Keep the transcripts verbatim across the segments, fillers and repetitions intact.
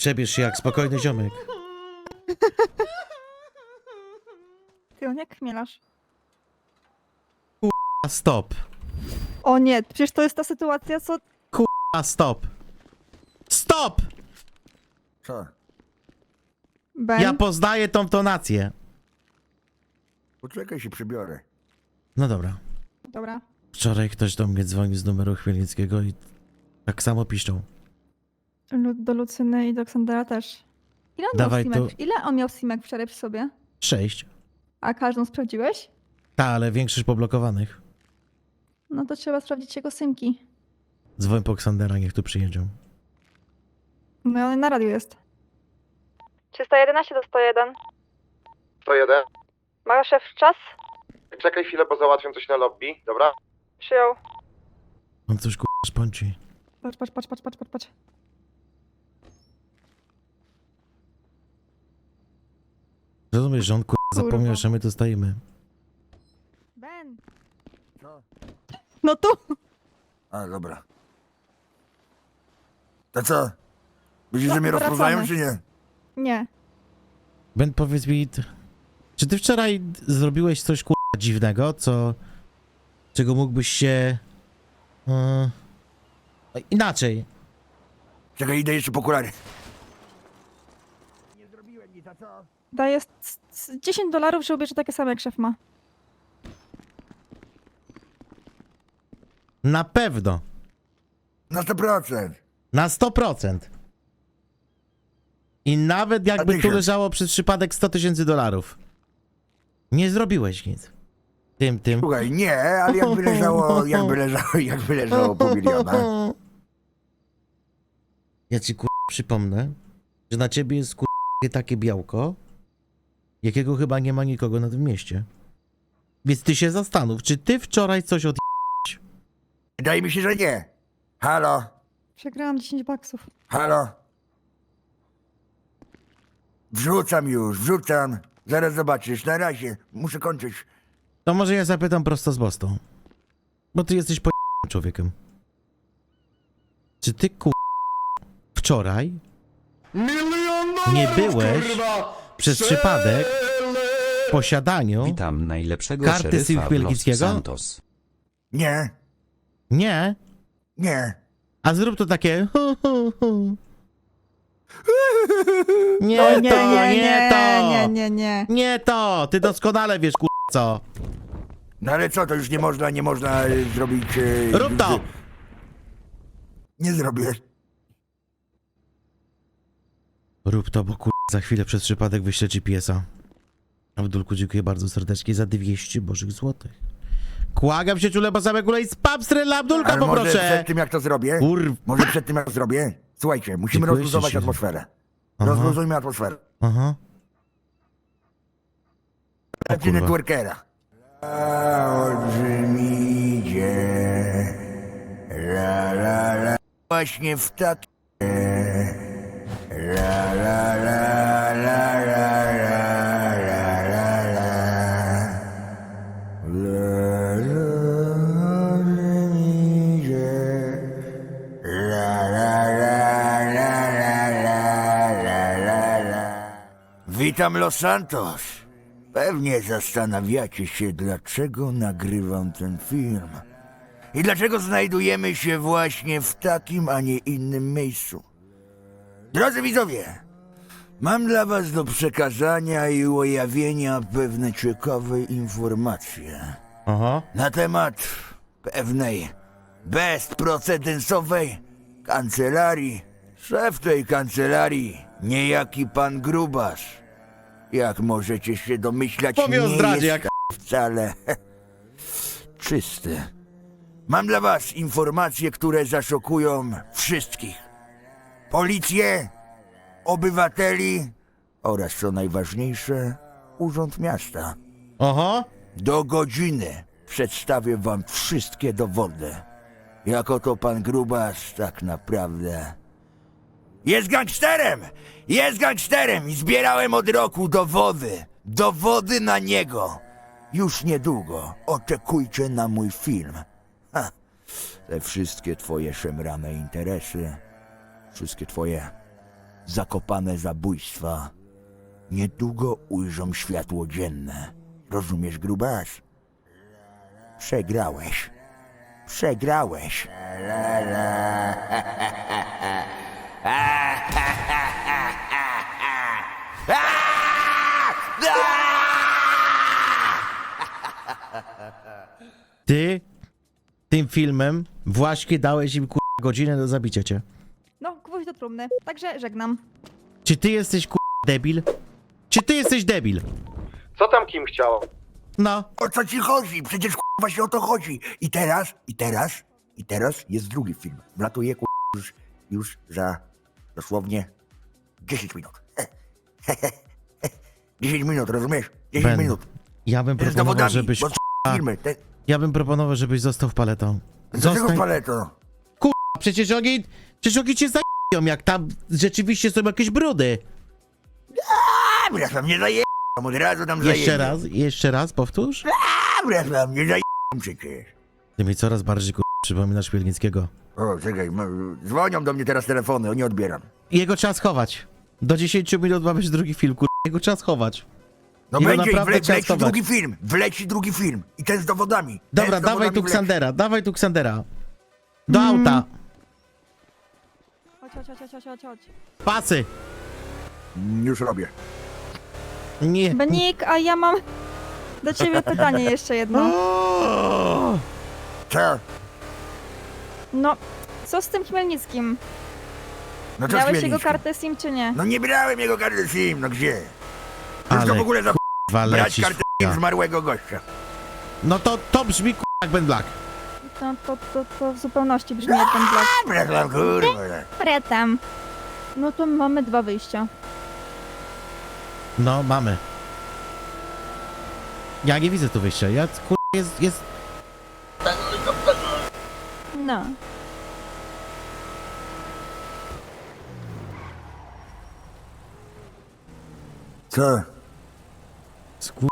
Przebierz się jak spokojny ziomek. Ty on jak chmielasz? A stop. O nie, przecież to jest ta sytuacja, co... A stop. Stop! Co? Ben? Ja poznaję tą tonację. Poczekaj, się przybiorę. No dobra. Dobra. Wczoraj ktoś do mnie dzwonił z numeru Chmielnickiego i tak samo piszczą. Lu- Do Lucyny i do Ksandera też. Ile on Dawaj miał tu- simek? Ile on miał simek wczoraj przy sobie? Sześć. A każdą sprawdziłeś? Ta, ale większość poblokowanych. No to trzeba sprawdzić jego symki. Dzwoń po Ksandera, niech tu przyjedzie. No on na radiu jest. trzysta jedenaście do sto jeden. sto jeden. Ma szef czas? Czekaj chwilę, bo załatwiam coś na lobby, dobra? Przyjął. On coś k***a szponci. Patrz, patrz, patrz, patrz, patrz, patrz, patrz. Rozumiesz, że on k***a Kurwa. zapomniał, że my tu stoimy. Ben! Co? No tu! A, dobra. To co? Myślisz, No, że mnie wracamy. rozpoznają, czy nie? Nie. Ben, powiedz mi, t- czy ty wczoraj zrobiłeś coś k***a dziwnego, co... czego mógłbyś się... Yy, inaczej. Czekaj, idę jeszcze po okulary. Nie zrobiłem nic, a co? Daję s- s- dziesięć dolarów, że ubierze takie same jak szef ma. Na pewno. Na sto procent. Na sto procent. I nawet jakby tu tysiąc. leżało przez przypadek sto tysięcy dolarów. Nie zrobiłeś nic. Tym, tym. Słuchaj, nie, ale jakby leżało, jakby leżało, jakby leżało pół miliona. Ja ci kur... przypomnę, że na ciebie jest kur... takie białko, jakiego chyba nie ma nikogo na tym mieście. Więc ty się zastanów, czy ty wczoraj coś od... Wydaje mi się, że nie. Halo, Przegrałam dziesięć baksów. halo. Wrzucam już, wrzucam. Zaraz zobaczysz, na razie. Muszę kończyć. To może ja zapytam prosto z Bostą. Bo ty jesteś po... człowiekiem. Czy ty kur... wczoraj nie byłeś przez przypadek w posiadaniu Witam najlepszego karty szeryfa Sylwii w Los Wielkickiego? Santos. Nie, Nie. nie. A zrób to takie... hu, hu, hu. Nie, O to, nie, nie, nie, nie, to. nie, nie, nie. Nie to. Ty doskonale wiesz, kur... co. No ale co, to już nie można, nie można e, zrobić... E, Rób to. Nie zrobię. Rób to, bo kur... za chwilę przez przypadek wyślę G P S-a. Abdulku, dziękuję bardzo serdecznie za dwieście bożych złotych. Kłagam się ciule, bo same kule i spam strela Abdulka, Ale może poproszę. przed tym, jak to zrobię... Kur... Może przed tym, jak to zrobię... Słuchajcie, musimy Dziękuję, rozluzować się- atmosferę. Aha. Rozluzujmy atmosferę. Aha. O Tacy kurwa. networkera. Olbrzymidzie. La, la, la. Właśnie w tak... La, la, la, la, la, la, la, la, la. La, la, olbrzymidzie. La, la, la, la, la, la, la, la, la. Witam Los Santos. Pewnie zastanawiacie się, dlaczego nagrywam ten film. I dlaczego znajdujemy się właśnie w takim, a nie innym miejscu. Drodzy widzowie, mam dla was do przekazania i ujawnienia pewne ciekawe informacje Aha. na temat pewnej bezprecedensowej kancelarii. Szef tej kancelarii, niejaki pan Grubas. Jak możecie się domyślać, Powie o nie zdradzie, jest jak... wcale czysty. Mam dla was informacje, które zaszokują wszystkich. Policję, obywateli oraz, co najważniejsze, Urząd Miasta. Aha. Do godziny przedstawię wam wszystkie dowody. Jako to pan Grubas tak naprawdę jest gangsterem! Jest gangsterem i zbierałem od roku dowody. Dowody na niego. Już niedługo oczekujcie na mój film. Ha. Te wszystkie twoje szemrane interesy, wszystkie twoje zakopane zabójstwa niedługo ujrzą światło dzienne. Rozumiesz, grubas? Przegrałeś. Przegrałeś. Ty tym filmem właśnie dałeś im kur... godzinę do zabicia cię. No, gwóźdź do trumny. Także żegnam. Czy ty jesteś kur... debil? Czy ty jesteś debil? Co tam Kim chciał? No. O co ci chodzi? Przecież właśnie o to chodzi. I teraz, i teraz, i teraz jest drugi film. Wlatuje już, już za dosłownie dziesięć minut. dziesięć minut, rozumiesz? dziesięć Ben, minut. ja bym Z proponował, dowodami, żebyś... bo A, filmy. Te... ja bym proponował, żebyś został paletą. Dlaczego Zostań... paleto? Przecież oni... Przecież oni cię zajebią, jak tam rzeczywiście są jakieś brudy. A, wracam, nie zaję... Od razu tam zaję. Jeszcze raz, jeszcze raz, powtórz. A, wracam, nie zaję... przecież. Ty mi coraz bardziej kur... przypominasz Chmielnickiego. O, czekaj, m- dzwonią do mnie teraz telefony, nie odbieram. Jego trzeba schować. Do dziesięciu minut ma być drugi film, kur... Jego trzeba schować. No Jego będzie i naprawdę wle, trzeba wleci schować. drugi film, wleci drugi film. I ten z dowodami. Ten Dobra, z dawaj dowodami tu wleci. Ksandera, dawaj tu Ksandera. Do Mm. auta. Chodź, chodź, chodź, chodź, chodź, chodź. Pasy. Już robię. Nie. Benik, a ja mam do ciebie pytanie jeszcze jedno. O! Co? No, co z tym Chmielnickim? No co Miałeś z jego Chmielnickim? kartę SIM czy nie? No nie brałem jego karty SIM, no gdzie? Już Ale to w ogóle za kurwa brać lecisz kartę w SIM chuja. zmarłego gościa. No to, to brzmi kur... jak Ben Black. No to, to, to w zupełności brzmi jak ten Black. A, wracam, kurwa. Pretem. No to mamy dwa wyjścia. No, mamy. Ja nie widzę tu wyjścia. Ja kur... jest... jest... No. Co? Skur...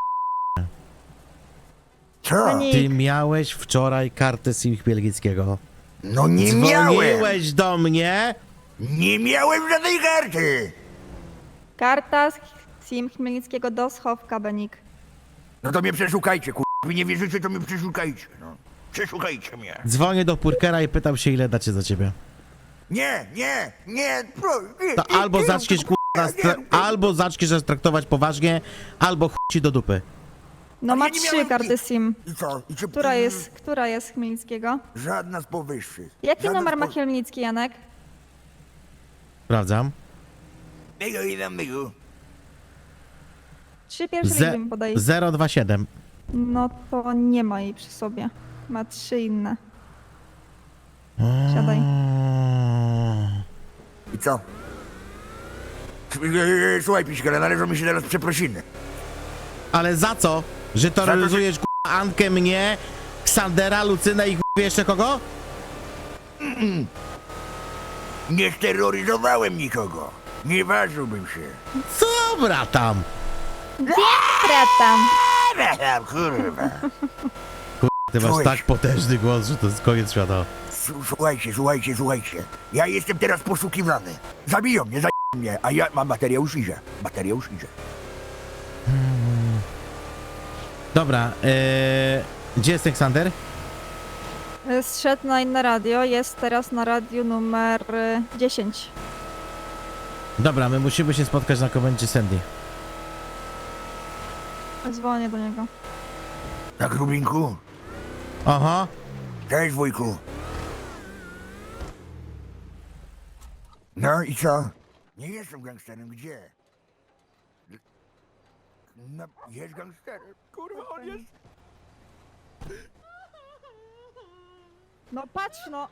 Co? Pani- Ty miałeś wczoraj kartę SIM Chmielnickiego. No nie miałem. Dzwoniłeś do mnie. Nie miałem żadnej karty. Karta z SIM Chmielnickiego do schowka, Benik. No to mnie przeszukajcie, kurwa. Wy nie wierzycie, to mnie przeszukajcie, no. Przeszukajcie mnie. Dzwonię do Purkera i pytam się, ile dacie za ciebie. Nie, nie, nie, pro, nie, To nie, albo nie, zaczniesz nie, kur... nas nie, tra- nie. albo zaczniesz nas traktować poważnie, albo chuj ci do dupy. No Ale ma ja nie trzy miałem karty nic. SIM. I co? I czy... Która jest, która jest Chmielnickiego? Żadna z powyższych. Jaki Żadna numer z ma po- Chmielnicki, Janek? Sprawdzam. Mygu i tam mygu. Trzy pierwsze Ze- liczby mi podaj. zero dwa siedem. No to nie ma jej przy sobie. Ma trzy inne. Siadaj. I co? E, Słuchaj, Piśka, ale należą mi się teraz przeprosiny. Ale za co? Że to, że- terroryzujesz k***a, Ankę, mnie, Ksandera, Lucynę i k***a, jeszcze kogo? Nie steroryzowałem nikogo. Nie ważyłbym się. Dobra tam. Pretem. Eee, kurwa. Ty masz Człowiek. tak potężny głos, że to jest koniec świata. S- Słuchajcie, słuchajcie, słuchajcie. Ja jestem teraz poszukiwany. Zabiją mnie, zabiją mnie, a ja mam Mateusz idzie. Mateusz idzie. Dobra, ee, gdzie jest ten Ksander? Zszedł na inne radio, jest teraz na radiu numer y, dziesięć. Dobra, my musimy się spotkać na komendzie Sandy. Dzwonię do niego. Tak, Rubinku? Aha. Cześć, wujku. No i co? Nie jestem gangsterem, gdzie? No, jest gangsterem. Kurwa, on jest... No patrz no!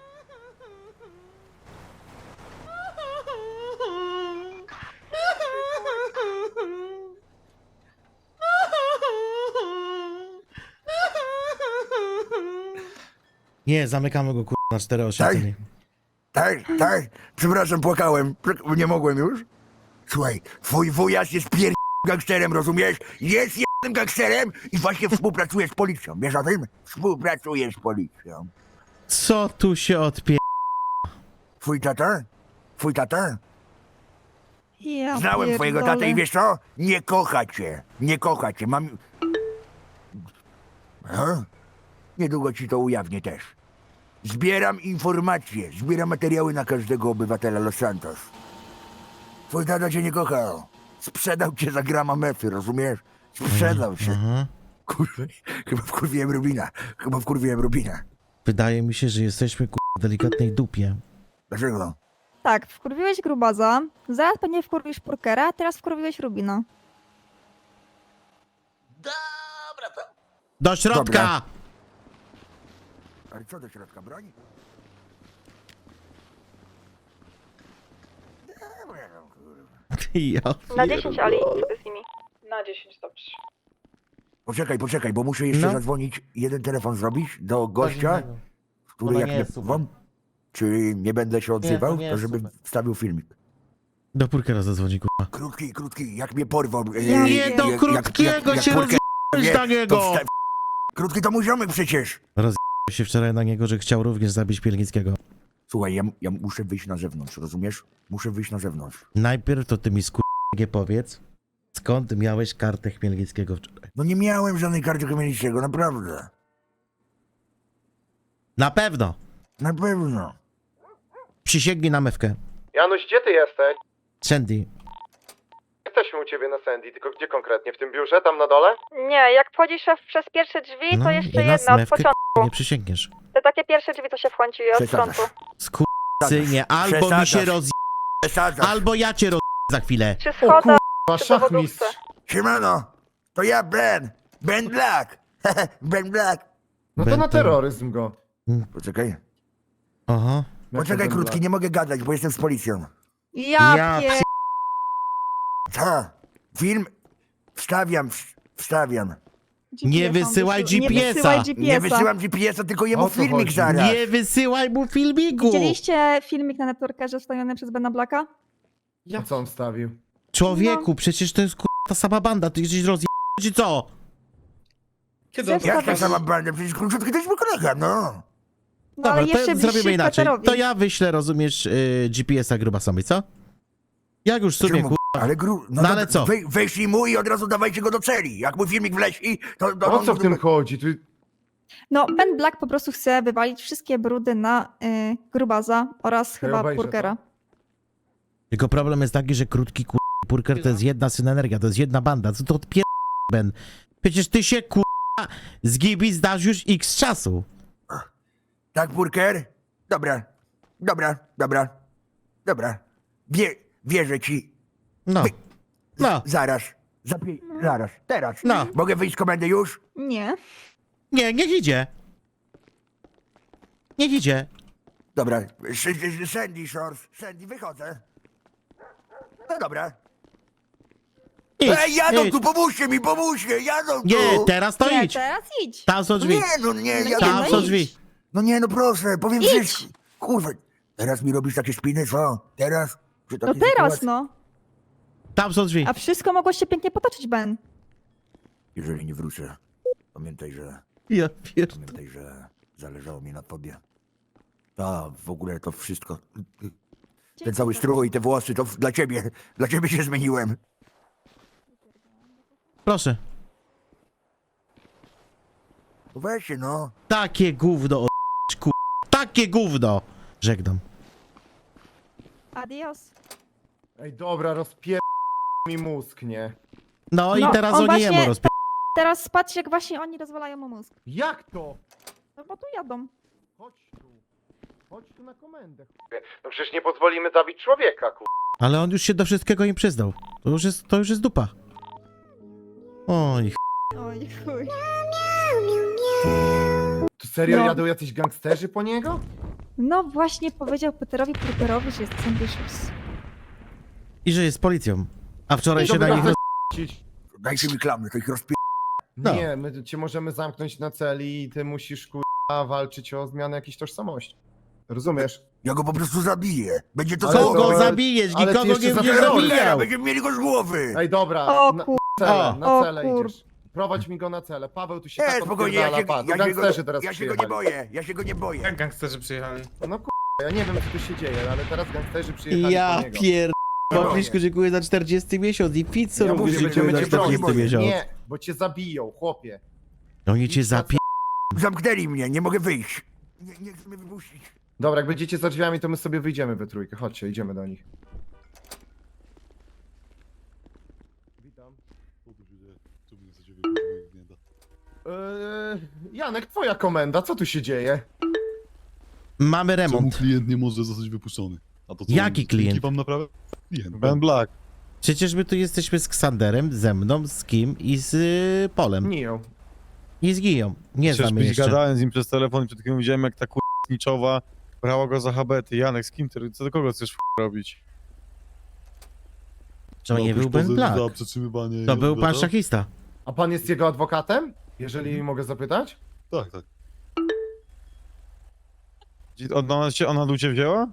Nie, zamykamy go kur... na cztery oświetlenie. Tak, tak, przepraszam, płakałem. Prze- Nie mogłem już. Słuchaj, twój wujas jest pier... gangsterem, rozumiesz? Jest jednym gangsterem i właśnie współpracuje z policją. Wiesz o tym? Współpracuje z policją. Co tu się odpie... Twój tata? Twój tata? Ja Znałem twojego pierdolę. tatę i wiesz co? Nie kocha cię. Nie kocha cię. Mam... Aha. Niedługo ci to ujawnię też. Zbieram informacje, zbieram materiały na każdego obywatela Los Santos. Twój tata cię nie kochał. Sprzedał cię za grama mefy, rozumiesz? Sprzedał cię. Mhm. Kurwa, chyba wkurwiłem Rubina. Chyba wkurwiłem Rubina. Wydaje mi się, że jesteśmy ku... w delikatnej dupie. Dlaczego? Tak, wkurwiłeś Grubaza, zaraz pewnie wkurwisz Purkera, a teraz wkurwiłeś Rubina. Do środka! Dobra. Ale co do środka, broń? Dobra, no, kurwa. Ja Na pier- dziesięć, Ali, co ty z nimi? Na dziesięć, dobrze. Poczekaj, poczekaj, bo muszę jeszcze No. zadzwonić, jeden telefon zrobić do gościa, który Ona jak nie nie jest super. wam, czy nie będę się odzywał, nie to jest żeby super. wstawił filmik. Do Purkera zadzwoni, kurwa. Krótki, krótki, jak mnie porwał. e, Ja Nie wiem. do jak- krótkiego jak- jak się Purker rozjebałeś wie, na niego! to wsta- Krótki to mój ziomek przecież. Się wczoraj na niego, że chciał również zabić Pielnickiego. Słuchaj, ja, ja muszę wyjść na zewnątrz, rozumiesz? Muszę wyjść na zewnątrz. Najpierw to ty mi skurwie powiedz, skąd miałeś kartę Chmielnickiego wczoraj? No nie miałem żadnej karty Chmielnickiego, naprawdę. Na pewno! Na pewno. Przysięgnij na mewkę. Janusz, gdzie ty jesteś? Sandy, Jesteśmy u ciebie na Sandy, tylko gdzie konkretnie? W tym biurze, tam na dole? Nie, jak wchodzisz przez pierwsze drzwi, no to i jeszcze na jedna od mewkę początku. nie przysięgniesz. Te takie pierwsze drzwi to się wchodzi od Przesadzasz. frontu. Skurczynie, albo mi się Przesadzasz. roz... Przesadzasz. albo ja cię roz... za chwilę. Przy O schodach, kurwa, przy szachmistrz. dowodówce. Siemano, to ja Ben. Ben Black. Ben Black. No to na Benton. terroryzm go. Poczekaj. Aha. Jak Poczekaj to krótki, Ben nie mogę gadać, bo jestem z policją. Ja, Ja pier... Co? Film? Wstawiam, w- wstawiam. Nie wysyłaj Nie G P S-a. wysyłaj G P Nie S-a. wysyłam G P S-a, tylko jemu O co filmik chodzi? zaraz. Nie wysyłaj mu filmiku! Widzieliście filmik na networkerze wstawiony przez Bena Blacka? Black? A co on wstawił? Człowieku, przecież to jest kur... ta sama banda, ty jesteś rozje... czy co? Kiedy Ze on Jak ta wstawił- sama banda? Przecież króciutki to jest mój kolega, no. No ale Dobra, jeszcze to zrobimy bliższy inaczej. Peterowi. To ja wyślę, rozumiesz, yy, G P S-a gruba samej, co? Jak już sobie, Czemu? kur... Ale gru... No to ale co? Wej, weźlij mu i od razu dawajcie go do celi. Jak mój filmik wleci, to... to O co w tym chodzi? Tu... No, Ben Black po prostu chce wywalić wszystkie brudy na y, Grubaza oraz chyba obejrzę Purkera. Tylko problem jest taki, że krótki kur... Purker to jest jedna synergia, to jest jedna banda. Co to odpier... Ben? Przecież ty się kur... z Gibi zdasz już x czasu. Tak, Purker? Dobra, dobra, dobra, dobra. Wie, wierzę ci. No. No. Zaraz. Za pie... Zaraz, teraz. No. Mogę wyjść z komendy już? Nie. Nie, niech idzie. Niech idzie. Dobra. S- s- Sandy Shores. Sandy, wychodzę. No dobra. Idź, Ej, jadą idź. tu, pomóżcie mi, pomóżcie, jadą tu. Nie, teraz to Nie, idź. teraz idź. Tam są drzwi. Nie, no nie, No jadą Tam nie, są no drzwi. idź. No nie, no proszę, powiem Idź. wszystko. Kurwa, teraz mi robisz takie spiny, co? Teraz? Przy No takiej teraz, sytuacji? no. Tam są drzwi. A wszystko mogło się pięknie potoczyć, Ben. Jeżeli nie wrócę, pamiętaj, że... Ja pier... Pamiętaj, że zależało mi na tobie. A, w ogóle to wszystko. Ten cały strój, te włosy, to dla ciebie. Dla ciebie się zmieniłem. Proszę. No weź się, no. Takie gówno, o ku... Takie gówno. Żegnam. Adios. Ej, dobra, rozpier... mi mózg, nie? No, i No, teraz on oni właśnie- jemu rozpie... Teraz patrz, jak właśnie oni rozwalają mu mózg. Jak to? No bo tu jadą. Chodź tu. Chodź tu na komendę. No przecież nie pozwolimy zabić człowieka, kur... Ale on już się do wszystkiego im przyznał. To już jest, to już jest dupa. Oj, ch... Oj, chuj. Tu serio No. jadą jacyś gangsterzy po niego? No właśnie powiedział Peterowi Purkerowi, że jest ambitious. I że jest policją. A wczoraj I się na dobra, nich... roz- Cić. Dajcie mi klamę, to ich rozpię... No. Nie, my cię możemy zamknąć na celi i ty musisz kurwa walczyć o zmianę jakiejś tożsamości. Rozumiesz? Ja go po prostu zabiję. Będzie to Ale Co samo. go to- zabijesz? ale ty Nikogo jeszcze nie za będziesz terror. zabijał. Będziemy mieli go z głowy. Ej, dobra, O na kur... celę, O. na O celę kur- idziesz. Prowadź mi go na celę. Paweł tu się Nie, tak spokojnie, ja odpierdala, się, pa. ja, To się go, gangsterzy teraz ja się go nie przyjechali. boję. Ja się go nie boję. Jak gangsterzy przyjechali? No kurwa, ja nie wiem co tu się dzieje, ale teraz gangsterzy przyjechali Ja po niego. pier... Papliszku, dziękuję za czterdziesty miesiąc i pizzo Ja również mówię, dziękuję będziemy za cię bronić. czterdziesty miesiąc. Nie, bo cię zabiją, chłopie. Oni cię zapie... Zamknęli mnie, nie mogę wyjść. Nie, nie chcę mnie wypuścić. Dobra, jak będziecie za drzwiami, to my sobie wyjdziemy we trójkę. Chodźcie, idziemy do nich. Witam. Eee, Janek, twoja komenda, co tu się dzieje? Mamy Czemu remont. klient nie może zostać wypuszczony? A to co? Jaki klient? Wam naprawę? Klient. Ben Black. Przecież my tu jesteśmy z Ksanderem, ze mną, z Kim i z y, Polem. Niją. I z Giją. Nie Przecież znamy byś jeszcze. gadałem z nim przez telefon i przed chwilą widziałem jak ta kurniczowa brała go za habety. Janek, z kim ty, co do kogo chcesz robić? To nie był Ben Black. Za przetrzymywanie... To był pan wiadomo? szachista. A pan jest jego adwokatem? Jeżeli mogę zapytać? Tak, tak. Ona, cię, ona do ciebie wzięła?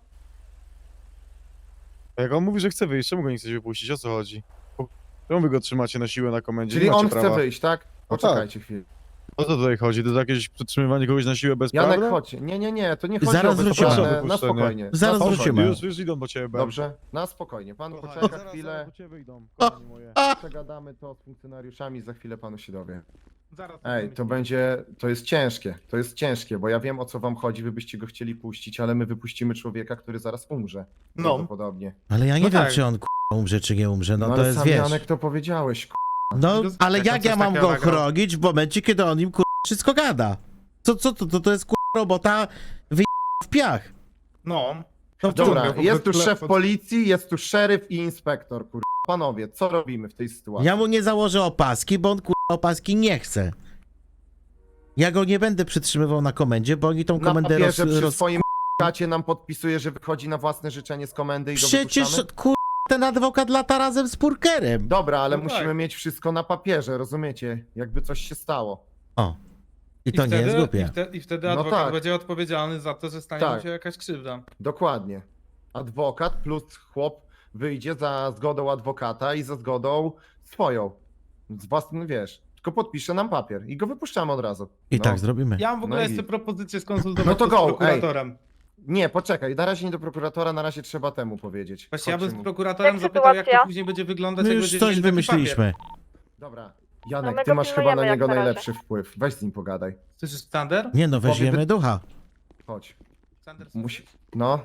A jak on mówi, że chce wyjść, czemu go nie chcecie wypuścić? O co chodzi? Czemu wy go trzymacie na siłę na komendzie? Czyli Nie macie on chce prawa. wyjść, tak? Poczekajcie chwilę. O co tutaj chodzi? To jest jakieś przetrzymywanie kogoś na siłę bez Janek, prawa? chodź. Nie, nie, nie, to nie chodzi Zaraz o wrócimy. bezprawne, Proszę o na wypuszczenie. spokojnie. Zaraz na spokojnie. wrócimy. Już, już idą po ciebie, Ben. Dobrze, na spokojnie. Pan Kochani, poczeka zaraz, chwilę. zaraz po ciebie idą, O, kochani moje. a, Przegadamy to z funkcjonariuszami, za chwilę panu się dowie. Zaraz. Ej, to będzie, to jest ciężkie, to jest ciężkie, bo ja wiem o co wam chodzi, wy byście go chcieli puścić, ale my wypuścimy człowieka, który zaraz umrze. No. Prawdopodobnie. ale ja nie No wiem, tak. czy on k***a, umrze, czy nie umrze. No, No, to ale jest, sam wiesz... Janek to powiedziałeś, k***. No, Jak ale on jak coś ja mam takiego go nagrał? chronić w momencie, kiedy on im k***a wszystko gada? Co, co to, to, to jest k***a robota wyj... w piach. No. No, Dobra, Ciągle, jest tu po- szef po- policji, jest tu szeryf i inspektor, kur... Panowie, co robimy w tej sytuacji? ja mu nie założę opaski, bo on k***a opaski nie chce. Ja go nie będę przytrzymywał na komendzie, bo oni tą Na komendę roz... papierze przy roz... swoim kacie nam podpisuje, że wychodzi na własne życzenie z komendy i go Przecież wypuszczamy? k***a ten adwokat lata razem z Purkerem. Dobra, ale No musimy tak. mieć wszystko na papierze, rozumiecie? Jakby coś się stało. O. I to nie wtedy, jest I, głupie. wte, I wtedy No adwokat tak. będzie odpowiedzialny za to, że stanie Tak. mu się jakaś krzywda. Dokładnie. Adwokat plus chłop wyjdzie za zgodą adwokata i za zgodą swoją. Z własnym, wiesz, tylko podpisze nam papier i go wypuszczamy od razu. I No. tak zrobimy. Ja mam w ogóle No i- jeszcze propozycję skonsultować No to z go, prokuratorem. Nie, poczekaj, na razie nie do prokuratora, na razie trzeba temu powiedzieć. Właśnie ja bym Chodźcie z mu. prokuratorem Jak zapytał, jak to sytuacja? później będzie wyglądać, My jak już będzie coś mieli taki wymyśliliśmy. Dobra, No Janek, my ty go masz chyba pilnujemy na jak niego na razie. najlepszy wpływ. Weź z nim pogadaj. Papier. Słyszysz, Sander? Nie no, weźmiemy Powie- ducha. Chodź. Sander, Musi... No.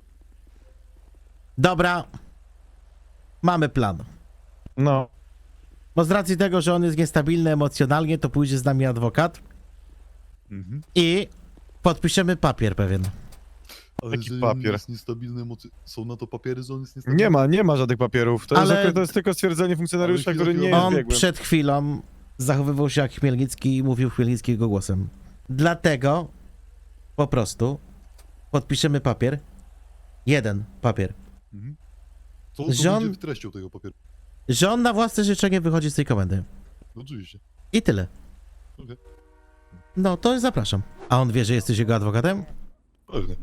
Dobra. Mamy plan. No. Bo z racji tego, że on jest niestabilny emocjonalnie, to pójdzie z nami adwokat Mhm. i podpiszemy papier pewien. Ale Jaki jeżeli papier? jest niestabilny emocje... Są na to papiery, że on jest niestabilny? Nie ma, nie ma żadnych papierów. To, Ale- jest, to jest tylko stwierdzenie funkcjonariusza, Ale który nie chwilę, jest On biegłym. przed chwilą zachowywał się jak Chmielnicki i mówił Chmielnickiego głosem. Dlatego po prostu podpiszemy papier. Jeden papier. Mhm. Co to Że on- będzie treścią tego papieru? Że on na własne życzenie wychodzi z tej komendy. Oczywiście. I tyle. Okej. No to zapraszam. A on wie, że jesteś jego adwokatem? Pewnie.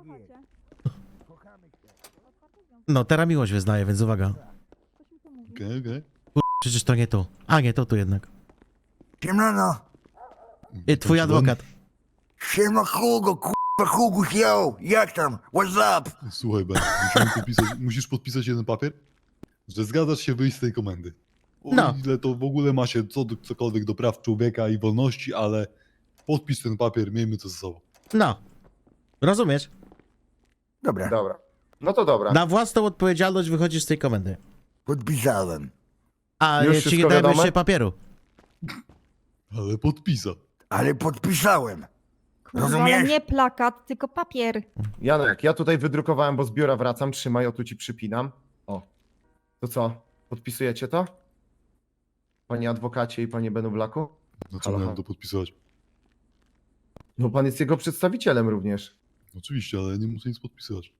No, teraz miłość wyznaje, więc uwaga. Okej, okej. Przecież to nie tu. A nie, to tu jednak. Siemano. I twój Proszę, adwokat. Siema Hugo, kurwa Huguś, yo. Jak tam? What's up? Ben, Słuchaj, Ben, musimy podpisać, musisz podpisać jeden papier, że zgadzasz się wyjść z tej komendy. O No. ile to w ogóle ma się co, do- cokolwiek do praw człowieka i wolności, ale podpisz ten papier, miejmy to ze sobą. No. Rozumiesz? Dobra, Dobra. No to dobra. Na własną odpowiedzialność wychodzisz z tej komendy. podpisałem. A Już ci wszystko nie dajemy wiadome? jeszcze papieru. Ale podpisa. Ale podpisałem. Kurwa, ale Rozumiesz? nie plakat, tylko papier. Janek, ja tutaj wydrukowałem, bo z biura wracam. Trzymaj, o tu ci przypinam. O. To co? Podpisujecie to? Panie adwokacie i panie Benu Blaku? No co Halo, miałem halo. to podpisywać? No pan jest jego przedstawicielem również. Oczywiście, ale nie muszę nic podpisywać.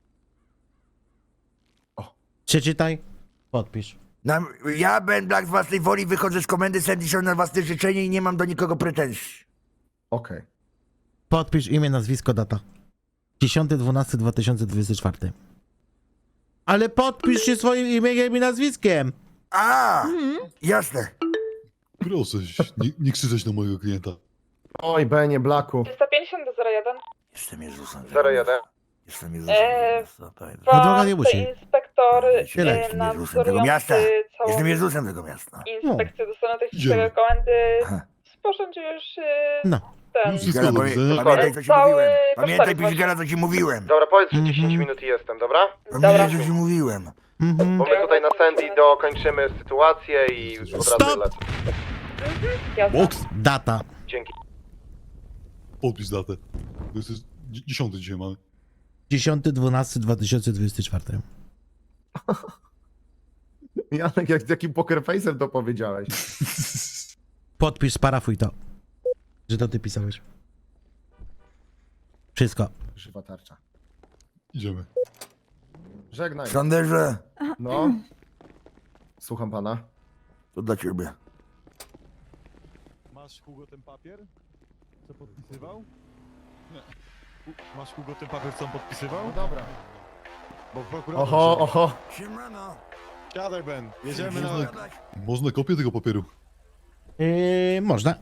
Przeczytaj, podpisz. Na, ja, Ben Black, z własnej woli wychodzę z komendy Sandy Shore na własne życzenie i nie mam do nikogo pretensji. Okej. Podpisz imię, nazwisko, data. dziesiąty dwunasty dwa tysiące dwudziesty czwarty. Ale podpisz się swoim imieniem i nazwiskiem. A, Mhm. jasne. Proszę, nie, nie krzyczeć na mojego klienta. Oj, Benie Blaku. trzysta pięćdziesiąt do zero jeden. Jestem Jezusem. zero jeden. Jestem Jezusem. Eee, Jezusa, pamiętam. No droga nie musi. inspektor Tyle. Jestem Jezusem tego miasta. Jestem Jezusem tego miasta. inspekcję do stanu Idziemy. technicznego komendy Aha. sporządził już No. ten... Już wszystko Pigala, do pamię- widzenia. Pamiętaj, co ci Cały mówiłem. Pamiętaj, kosztorys Pigala, co ci mówiłem. Dobra, powiedz, że Mhm. dziesięć minut i jestem, dobra? Pamiętaj, co ci mówiłem. Mhm. Bo my tutaj na Sandy dokończymy sytuację i od razu Stop! lecę. Jasne. Box, Data. Dzięki. podpisz datę. To jest dzie- dziesiąty dzisiaj mamy. dziesiąty dwunasty dwa tysiące dwudziesty czwarty. Janek, jak z jakim poker face'em to powiedziałeś? Podpisz, sparafuj to. Że to ty pisałeś. Wszystko. Żywa tarcza. Idziemy. Żegnaj. Sanderze, No. Słucham pana. to dla ciebie. Masz Hugo ten papier? Co podpisywał? Nie. U- Masz Hugo ten papier, co on podpisywał? No dobra. Bo prokurator... Oho, oho. Siemano. Siadaj, Ben. Jedziemy na... Można kopię tego papieru. Yy, można.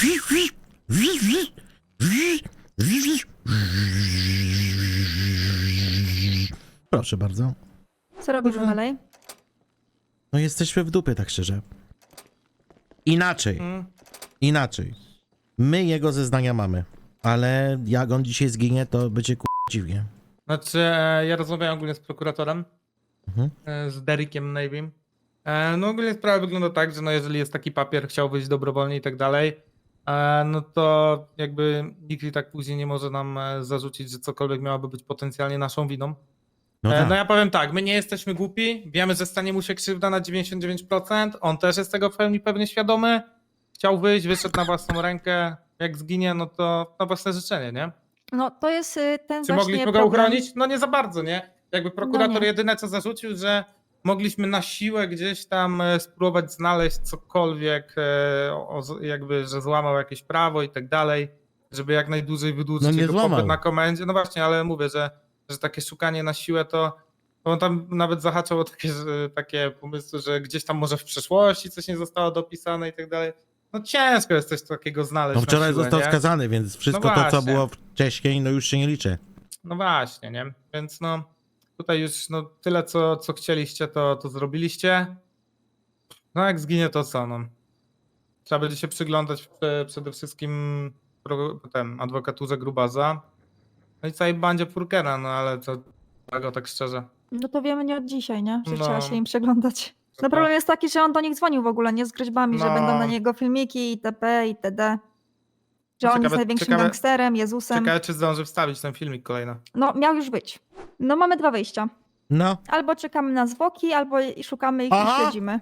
Proszę bardzo. Co robimy dalej? No jesteśmy w dupie, tak szczerze. Inaczej. Mm. Inaczej. My jego zeznania mamy. Ale jak on dzisiaj zginie, to będzie ku... dziwnie. Znaczy, e, ja rozmawiałem ogólnie z prokuratorem, Mhm. e, z Derekiem Navym. E, no ogólnie sprawa wygląda tak, że no jeżeli jest taki papier, chciał wyjść dobrowolnie i tak dalej, e, no to jakby nikt i tak później nie może nam e, zarzucić, że cokolwiek miałoby być potencjalnie naszą winą. No E, tak. no ja powiem tak, my nie jesteśmy głupi, wiemy, że stanie mu się krzywda na dziewięćdziesiąt dziewięć procent, on też jest tego w pełni pewnie świadomy, chciał wyjść, wyszedł na własną rękę, jak zginie, no to na własne życzenie, nie? No to jest y, ten Czy właśnie mogliśmy go problem. uchronić? No nie za bardzo, nie? Jakby prokurator No nie. jedyne co zarzucił, że mogliśmy na siłę gdzieś tam e, spróbować znaleźć cokolwiek, e, o, o- jakby, że złamał jakieś prawo i tak dalej, żeby jak najdłużej wydłużyć No nie jego złamał. pobyt na komendzie. No właśnie, ale mówię, że, że takie szukanie na siłę to bo on tam nawet zahaczał o takie, że, takie pomysły, że gdzieś tam może w przeszłości coś nie zostało dopisane i tak dalej. No ciężko jest coś takiego znaleźć No na wczoraj siłę, został nie? skazany, więc wszystko No to, co właśnie. było wcześniej, no już się nie liczy. No właśnie, nie? Więc no tutaj już no, tyle, co, co chcieliście, to, to zrobiliście. No jak zginie, to co? No. Trzeba będzie się przyglądać prze, przede wszystkim pro, ten, adwokaturze Grubaza. No i całej bandzie Purkena, no ale to tego tak szczerze. No to wiemy nie od dzisiaj, nie? Że No. trzeba się im przeglądać. To No problem tak. jest taki, że on do nich dzwonił w ogóle, nie z groźbami, że No. będą na niego filmiki itp. itd. Że No on jest ciekawe- największym ciekawe- gangsterem, Jezusem. Ciekawe, czy zdąży wstawić ten filmik kolejny. No miał już być. No mamy dwa wyjścia. No. Albo czekamy na zwłoki, albo i- szukamy ich Aha. i śledzimy.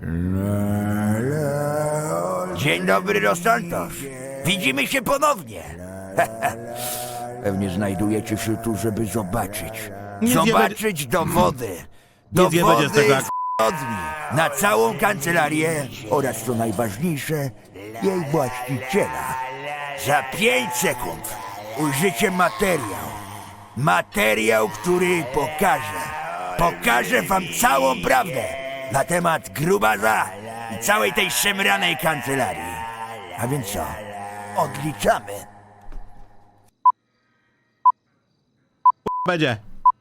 Dzień dobry, Los Santos. Widzimy się ponownie. Pewnie znajdujecie się tu, żeby zobaczyć. Nic nie Zobaczyć dowody. Nic nie będzie z tego, jak- Zbrodni na całą kancelarię oraz, co najważniejsze, jej właściciela. Za pięć sekund ujrzycie materiał. Materiał, który pokaże. Pokaże wam całą prawdę na temat Grubaza i całej tej szemranej kancelarii. A więc co? Odliczamy. Będzie.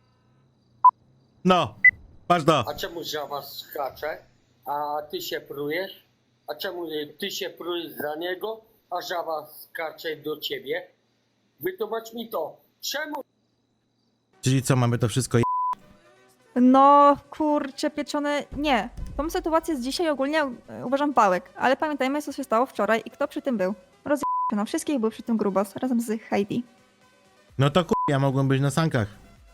No. Patrz to. A czemu żaba skacze, a ty się prujesz? A czemu ty się prujesz za niego, a żaba skacze do ciebie? Wytłumacz mi to. Czemu? Czyli co, mamy to wszystko je... No kurczę pieczone, nie. Tą sytuację z dzisiaj ogólnie e, uważam pałek, ale pamiętajmy co się stało wczoraj i kto przy tym był. Rozje... No wszystkich był przy tym Grubas razem z Heidi. No to ku... ja mogłem być na sankach.